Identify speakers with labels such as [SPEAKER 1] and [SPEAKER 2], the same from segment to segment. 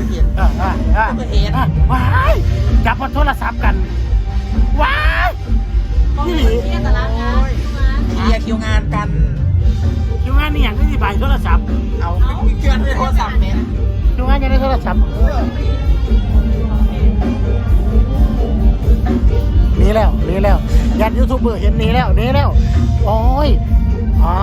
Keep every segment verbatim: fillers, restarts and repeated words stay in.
[SPEAKER 1] กิดเหตุอ่าอ่าอ่าเกิดเหตุว้ายจับมาโทรศัพท์กันว้ายนี่หลี
[SPEAKER 2] ตารางงาน
[SPEAKER 3] เคลียร์คิวงานกัน
[SPEAKER 1] คิวงานนี่อย่างที่ใบโทรศัพท์
[SPEAKER 3] เอามีเครื่องในโทรศัพท์เนี่ย
[SPEAKER 1] คิวงานยังได้โทรศัพท์หนีแล้วหนีแล้วยันยูทูบเบอร์เห็นหนีแล้วหนีแล้วโอ้ยอ๋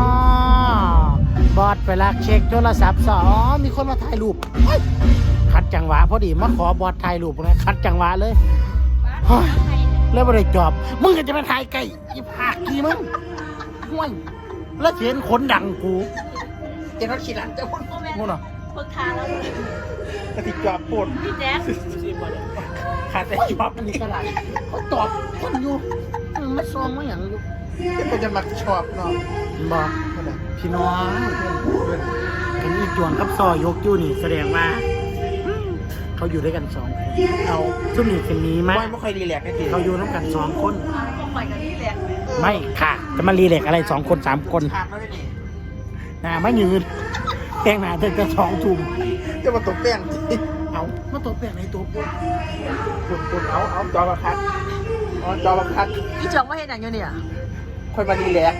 [SPEAKER 1] อบอดไปลักเช็คโทรศัพท์สอมีคนมาถ่ายรูปคัดจังหวะพอดีมาขอบอดถ่ายรูปนะคัดจังหวะเลยแล้วไม่ได้จอบมึงก็จะมาถ่ายไก่อีผากกี่มึงห่วยแล้วเห็นขนดังกู
[SPEAKER 3] เจ้าขี้หลังเจ้าคน
[SPEAKER 1] งูเนาะ
[SPEAKER 2] เพิ่งทานแล้ว
[SPEAKER 3] กระติกจอบปวด
[SPEAKER 2] พี่แจ๊ค
[SPEAKER 3] ขาดแต่จอบ
[SPEAKER 1] อันนี้กระไรเขาตอบคนอยู่มันไม่ซองไม่อย่างอยู่
[SPEAKER 3] ก็จะมาชอบเนาะ
[SPEAKER 1] บอกพี่น้องกันอีจวงกับซอยกอยู่นี่แสดงว่าเขาอยู่ด้วยกันสองคนเอาซุ่มนี่จะมีไหม
[SPEAKER 3] ไม่ค่อยรีแลกซ์ได้ที
[SPEAKER 1] เขาอยู่น้ำกันสองคน
[SPEAKER 2] ต้องไปกันที่แหลก
[SPEAKER 1] ไม่ค่ะจะมารีเล็กอะไรสองคนสามคน
[SPEAKER 3] ขาดแล้วได้ดิ
[SPEAKER 1] นะไม่ยืนแกงหนาเธอจะสองทุ่ม
[SPEAKER 3] จะมาตกแป้งจี
[SPEAKER 1] เอามาตัวแปลงในตัวปุ๊บ
[SPEAKER 3] ปวดปวดเอาเอาจอมาคัดเอาจอมาคัด
[SPEAKER 2] พี่จองว่าเห็นอย่างเงี้ยเนี่ย
[SPEAKER 3] ค่อยมารีแลกซ์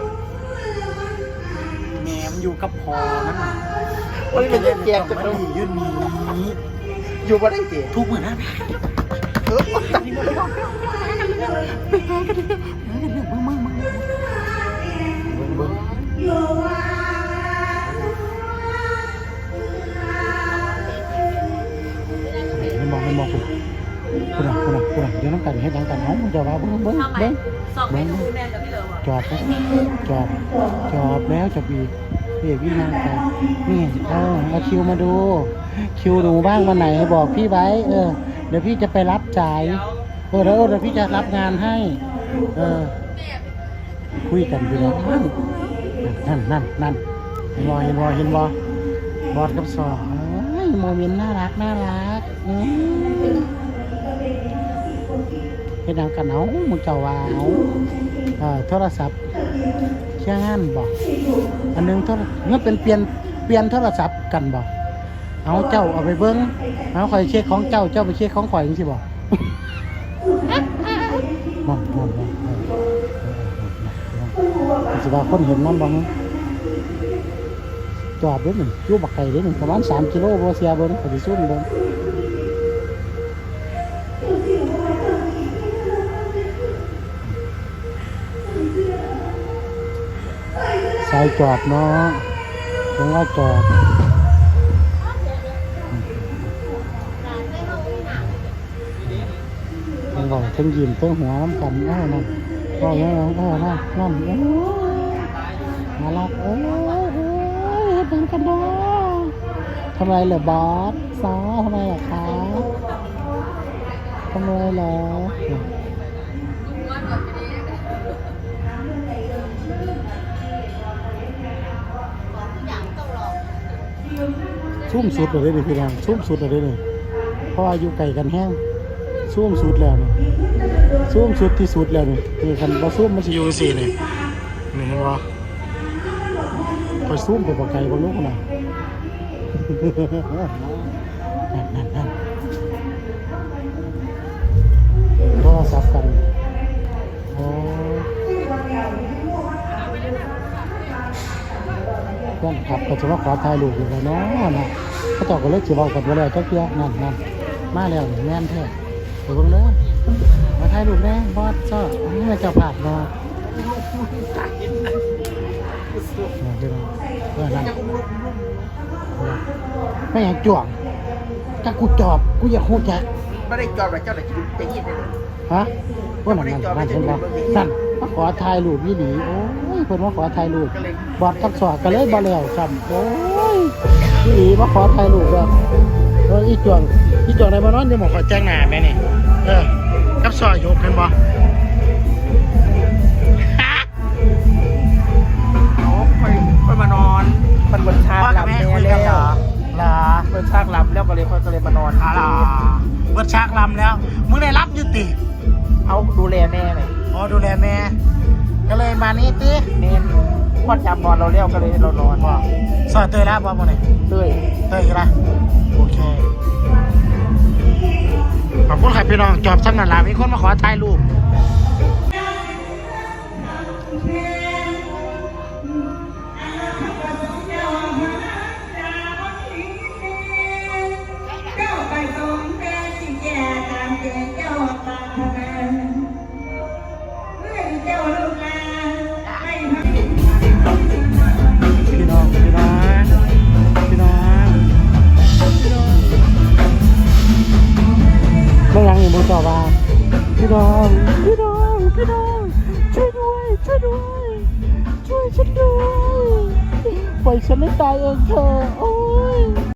[SPEAKER 1] แหนมอยู่กับพอมัน
[SPEAKER 3] วันนี้เป็นเรื่องแกงจะ
[SPEAKER 1] มัน
[SPEAKER 3] ต้อง
[SPEAKER 1] ยืนมี
[SPEAKER 3] อยู่มาได้จี
[SPEAKER 1] ทุกเหมือนนะ
[SPEAKER 3] เออตัดที่มือ
[SPEAKER 1] มึงมึงมึงมึงไม่มองไม่มองคุณคุณอ่ะคุณอ่ะคุณอ่ะเดี๋ยวน้ำกันให้ดังกันเอามึงจะว่าเบิ้งเบิ้ง
[SPEAKER 2] ทำไม
[SPEAKER 1] เบิ้ง
[SPEAKER 2] สอบเมนูแมนกับพี่เหลิม
[SPEAKER 1] จอบจอบจอบแล้วจอบอีกพี่พี่นั่งไปนี่เออเอาคิวมาดูคิวหนูบ้างวันไหนบอกพี่ไว้เออเดี๋ยวพี่จะไปรับจ่ายเออแล้วเดี๋ยวพี่จะรับงานให้เออคุยกันพี่น้องนั่นนั่นนั่นเห็นบอเห็นบอเห็นบอบอดกับซอเอ้ยโมเมนต์น่ารักน่ารักอืมเป็นทางกันเอามึงเจ้าว่าเอาเออโทรศัพท์เชี่ยงานบอกอันนึงโทรเงื่อเป็นเปลี่ยนเปลี่ยนโทรศัพท์กันบอกเอาเจ้าเอาไปเบิ้งเอาคอยเช็คของเจ้าเจ้าไปเช็คของข่อยจริงๆบอกมองมองมองสิว่าคนเห็นมันบ้างจอบด้วยหนึ่งยูบักไก่ด้วยหนึ่งประมาณสามกิโลโบเซียเบิ้งปฏิสุนเบิ้งสายจอบเนาะผมว่าจอบมันบอกทั้งยิ้มทั้งหัวน้ำกันอ้าวนั่นอ้าวนั่นอ้าวนั่นนั่นโอ้มาลักโอ้ยเป็นกันเนาะทำไรเหรอบอสซอทำไมเหรอคะทำไรเหรอชุ่มสุดเลยดิพี่น้องชุ่มสุดเลยนี่เพราะอายุไก่กันแห้งชุ่มสุดแล้วนี่ชุ่มสุดที่สุดแล้วนี่คือคันพอชุ่มมันจะอยู่สี่เลยนี่เห็นปะพอชุ่มไปปะไก่บนลูกน่ะนั่นนั่นนั่นโทรศัพท์กันโอ้เพื่อนขับก็จะมาขอถ่ายรูปอยู่แล้วเนาะนะเขาเจ้าก็เลยจะบอกกันว่าแล้วเจ้าเกี้ยนั่นนั่นมาแล้วแม่นแท้เดี๋ยวเพิ่งเลยมาถ่ายรูปแน่บอสเจ้านี่มาเจ้าผาดเนาะเดี๋ยวเออนั่นไม่อยากจ่วงถ้ากูจอบกูอยากหูจัก
[SPEAKER 3] ไม่ได้จอบแต่เจ้าแต่จะยินเลย
[SPEAKER 1] ฮะว่านั่นนั่นนั่นเห็นบ่นั่นมาขอถ่ายรูปยี่หลีโอ้ยเพิ่นมาขอถ่ายรูปบอดกับสอดก็เลยบ่แล้วซ้ำโอ้ยยี่หลีมาขอถ่ายรูปแบบเอออีจวงอีจวงได้บ่นอนอยู่หม้องขอแจ้งหน้าแม่นี่เออกับสอดยกเห็นบ่
[SPEAKER 3] เอาค่อยค่อยมานอนมันบนชาหลับแล้วแล้ว
[SPEAKER 1] ล่ะ
[SPEAKER 3] บนชาหลับแล้วก็เลยค่อยก็เลยมานอน
[SPEAKER 1] อ่าล่ะเบิดฉากลำแล้วมึงได้รับอยู่ติ
[SPEAKER 3] เอาดูแลแม่เลย
[SPEAKER 1] อ๋อดูแลแม่ก็เลยมานี่ติ
[SPEAKER 3] เน้นพอดยามนอนเราเลี้ยวก็เลยเรานอน
[SPEAKER 1] บ่สอดเตยแล้วบ่มื้อนี้
[SPEAKER 3] เต้ย
[SPEAKER 1] เตยอีกละโอเคพี่น้องจอบซ้ำนั่นล่ะมีคนมาขอถ่ายรูปพี่น้องพี่น้องพี่น้องพี่น้องไม่ยังอีกมูต่อว่าพี่น้องพี่น้องพี่น้องช่วยด้วยช่วยด้วยช่วยฉันด้วยปล่อยฉันไม่ตายเองเถอะโอ้ย